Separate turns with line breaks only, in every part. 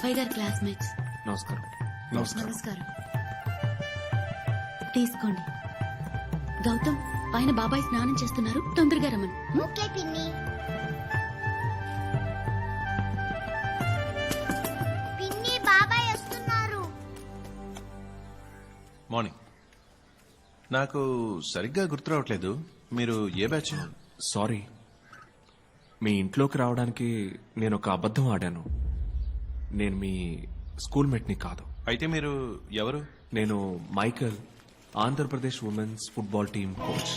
బాబాయ్ గారి క్లాస్మేట్స్.
నమస్కారం.
నమస్కారం. తీసుకోండి. గౌతమ్, పైన బాబాయ్ స్నానం చేస్తున్నారు, తొందరగా రమ్మను.
ఓకే పిన్ని. పిన్ని, బాబాయ్ వస్తున్నారు.
మార్నింగ్. నాకు సరిగ్గా గుర్తు రావట్లేదు, మీరు ఏ బ్యాచ్?
సారీ, మీ ఇంట్లోకి రావడానికి నేను ఒక అబద్ధం ఆడాను. నేను మీ స్కూల్ మేట్ని కాదు.
అయితే మీరు ఎవరు?
నేను Michael, Andhra Pradesh women's football team coach.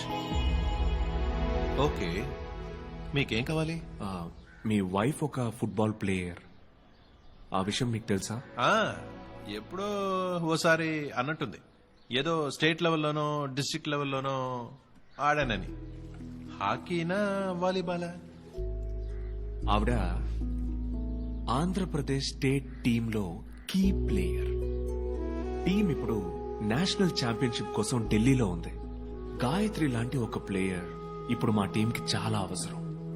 Okay, మీకేం కావాలి?
మీ వైఫ్ ఒక ఫుట్బాల్ ప్లేయర్, ఆ విషయం మీకు తెలుసా?
ఎప్పుడో ఓసారి అన్నట్టుంది, ఏదో స్టేట్ లెవెల్లోనో డిస్ట్రిక్ట్ లెవెల్లోనో ఆడానని. హాకీనా వాలీబాలా?
ఆవిడ ఆంధ్రప్రదేశ్ స్టేట్ టీంలో కీ ప్లేయర్. టీం ఇప్పుడు నేషనల్ ఛాంపియన్షిప్ కోసం ఢిల్లీలో ఉంది. గాయత్రి లాంటి ఒక ప్లేయర్ ఇప్పుడు మా టీంకి చాలా అవసరం.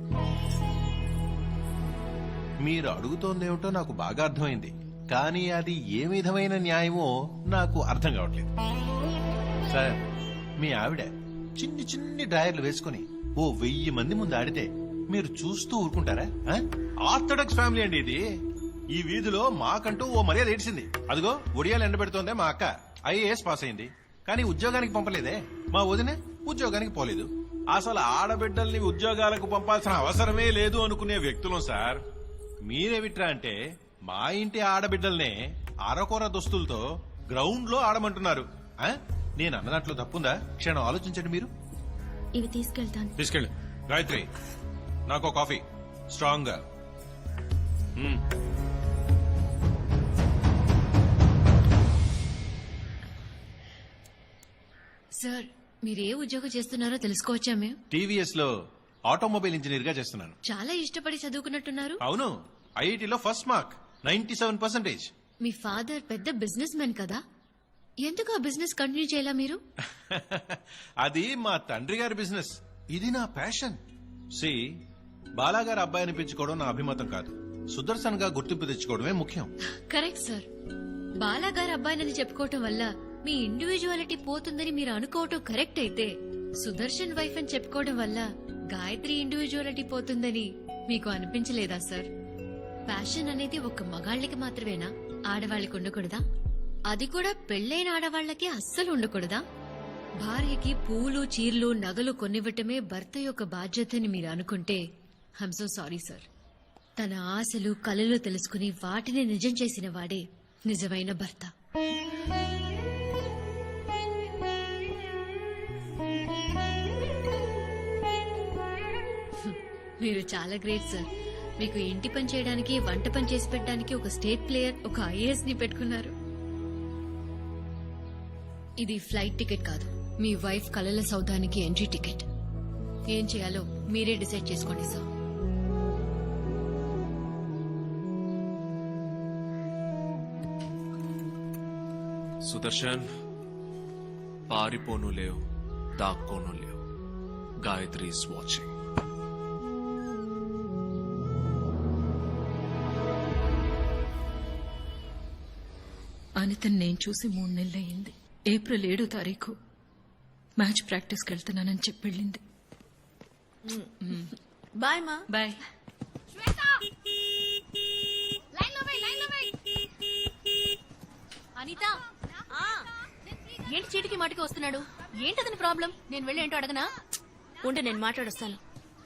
మీరు అడుగుతోందేమిటో నాకు బాగా అర్థమైంది, కానీ అది ఏ విధమైన న్యాయమో నాకు అర్థం కావట్లేదు. సార్, మీ ఆవిడ చిన్ని చిన్ని డ్రాయర్లు వేసుకుని ఓ 1000 మంది ముందు ఆడితే మీరు చూస్తూ ఊరుకుంటారా? ఆర్థడాక్స్ ఫ్యామిలీ అండి ఇది. ఈ వీధిలో మాకంటూ ఓ మర్యాద ఏడ్చింది. అదిగో ఒడియాలు ఎండబెడుతోందే మా అక్క, IAS పాస్ అయింది, కానీ ఉద్యోగానికి పంపలేదే. మా వదిన ఉద్యోగానికి పోలేదు. అసలు ఆడబిడ్డల్ని ఉద్యోగాలకు పంపాల్సిన అవసరమే లేదు అనుకునే వ్యక్తులం సార్. మీరేమిట్రా అంటే మా ఇంటి ఆడబిడ్డల్నే అరకొర దుస్తులతో గ్రౌండ్ లో ఆడమంటున్నారు. నేను అన్నదాంట్లో తప్పుందా? క్షణం ఆలోచించండి మీరు.
ఇవి తీసుకెళ్తాను.
తీసుకెళ్ళి. గాయత్రి, నాకు కాఫీ స్ట్రాంగ్ గా.
సార్, మీరే ఉద్యోగం చేస్తున్నారో తెలుసుకోవచ్చా మేము?
TVS లో ఆటోమొబైల్ ఇంజనీర్ గా చేస్తున్నాను.
చాలా ఇష్టపడి చదువుకున్నట్టున్నారు.
అవును, IITలో ఫస్ట్ మార్క్ 97%.
మీ ఫాదర్ పెద్ద బిజినెస్ మ్యాన్ కదా, ఎందుకు ఆ బిజినెస్ కంటిన్యూ చేయాలా మీరు?
అది మా తండ్రి గారి బిజినెస్, ఇది నా ప్యాషన్. సి, బాలాగారి అబ్బాయి అనిపించుకోవడం నా అభిమతం కాదు, సుదర్శన్ గా గుర్తింపు తెచ్చుకోవడమే ముఖ్యం.
Correct sir. బాలాగారి అబ్బాయినని చెప్పుకోవటం వల్ల మీ ఇండివిజువాలిటీ పోతుందని మీరు అనుకోవటం కరెక్ట్ అయితే, సుదర్శన్ వైఫ్ అని చెప్పుకోవడం వల్ల గాయత్రి ఇండివిజువాలిటీ పోతుందని మీకు అనిపించలేదా సార్? ప్యాషన్ అనేది ఒక మగాళ్ళకి మాత్రమేనా, ఆడవాళ్ళకి ఉండకూడదా? అది కూడా పెళ్లైన ఆడవాళ్లకి అస్సలు ఉండకూడదా? భార్యకి పూలు, చీరలు, నగలు కొనివ్వటమే భర్త యొక్క బాధ్యతని మీరు అనుకుంటే ఐమ్ సో సారీ సార్. తన ఆశలు, కలలు తెలుసుకుని వాటిని నిజం చేసిన వాడే నిజమైన భర్త. మీరు చాలా గ్రేట్ సార్. మీకు ఇంటి పని చేయడానికి, వంట పని చేసి పెట్టడానికి ఒక స్టేట్ ప్లేయర్, ఒక IAS ని పెట్టుకున్నారు. ఇది ఫ్లైట్ టికెట్ కాదు, మీ వైఫ్ కలల సౌధానికి ఎంట్రీ టికెట్. ఏం చేయాలో మీరే డిసైడ్ చేసుకోండి సార్.
సుదర్శన్, పారిపోను లేవు, దాక్కోను లేవు. Gayatri is watching.
అనితను నేను చూసి 3 నెలలయ్యింది. ఏప్రిల్ 7వ తారీఖు మ్యాచ్ ప్రాక్టీస్కి వెళ్తున్నానని చెప్పి వెళ్ళింది.
బాయ్ మా.
బాయ్.
అనిత, ఏంటి చీటికి మాటికి వస్తున్నాడు? ఏంటదని ప్రాబ్లం? నేను వెళ్ళి ఏంటో అడగనా?
ఉంటే నేను మాట్లాడొస్తాను.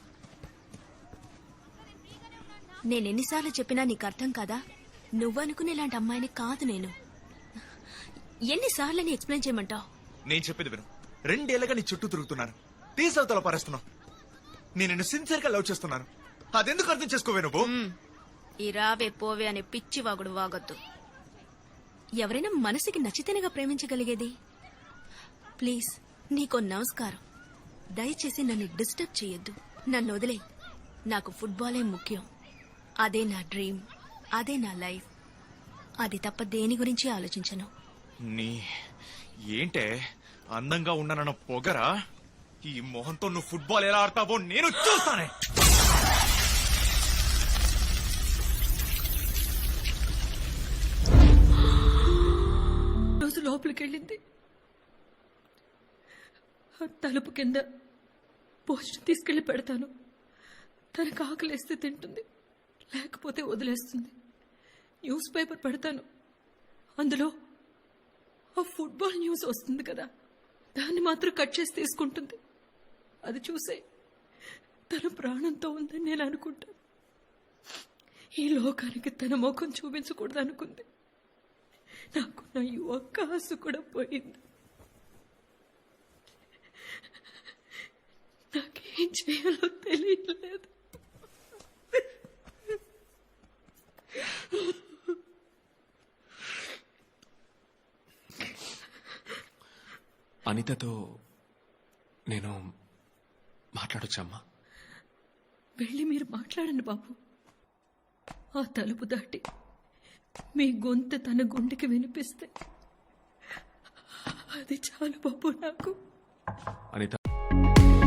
నేనెన్నిసార్లు చెప్పినా నీకు అర్థం కాదా? నువ్వనుకునే ఇలాంటి అమ్మాయిని కాదు నేను. ఎన్నిసార్లు నీ ఎక్స్ప్లెయిన్ చేయమంటావు?
నేను చెప్పేది విను. 2 ఏళ్లుగా నీ చుట్టూ తిరుగుతున్నాను, తీసవతల పారేస్తున్నావు. నేను నిన్ను సిన్సియర్ గా లవ్ చేస్తున్నాను, అదెందుకు అర్థం చేసుకోవే నువ్వు?
ఈ రావే పోవే అనే పిచ్చి వాగుడు వాగొద్దు. ఎవరైనా మనసుకి నచ్చితేనేగా ప్రేమించగలిగేది. ప్లీజ్, నీకో నమస్కారం. దయచేసి నన్ను డిస్టర్బ్ చేయొద్దు. నన్ను వదిలే. నాకు ఫుట్బాలే ముఖ్యం. అదే నా డ్రీమ్, అదే నా లైఫ్. అది తప్ప దేని గురించి ఆలోచించను.
నీ ఏంటే అందంగా ఉన్నానన్న పొగరా? ఈ మొహంతో నువ్వు ఫుట్బాల్ ఎలా ఆడతావో నేను చూస్తానే.
రోజు లోపలికి వెళ్ళింది. ఆ తలుపు కింద భోజనం తీసుకెళ్లి పెడతాను. తనకు ఆకలేస్తే తింటుంది, లేకపోతే వదిలేస్తుంది. న్యూస్ పేపర్ పెడతాను, అందులో ఆ ఫుట్బాల్ న్యూస్ వస్తుంది కదా, దాన్ని మాత్రం కట్ చేసి తీసుకుంటుంది. అది చూసే తన ప్రాణంతో ఉందని నేను అనుకుంటాను. ఈ లోకానికి తన ముఖం చూపించకూడదు అనుకుంది. నాకు నా ఈ ఒక్క ఆశ కూడా పోయింది. నాకేం చేయాలో తెలియలేదు.
అనితతో నేను మాట్లాడొచ్చమ్మా?
వెళ్ళి మీరు మాట్లాడండి బాబు. ఆ తలుపు దాటి మీ గొంతు తన గుండెకి వినిపిస్తే అది చాలు బాబు నాకు.
అనిత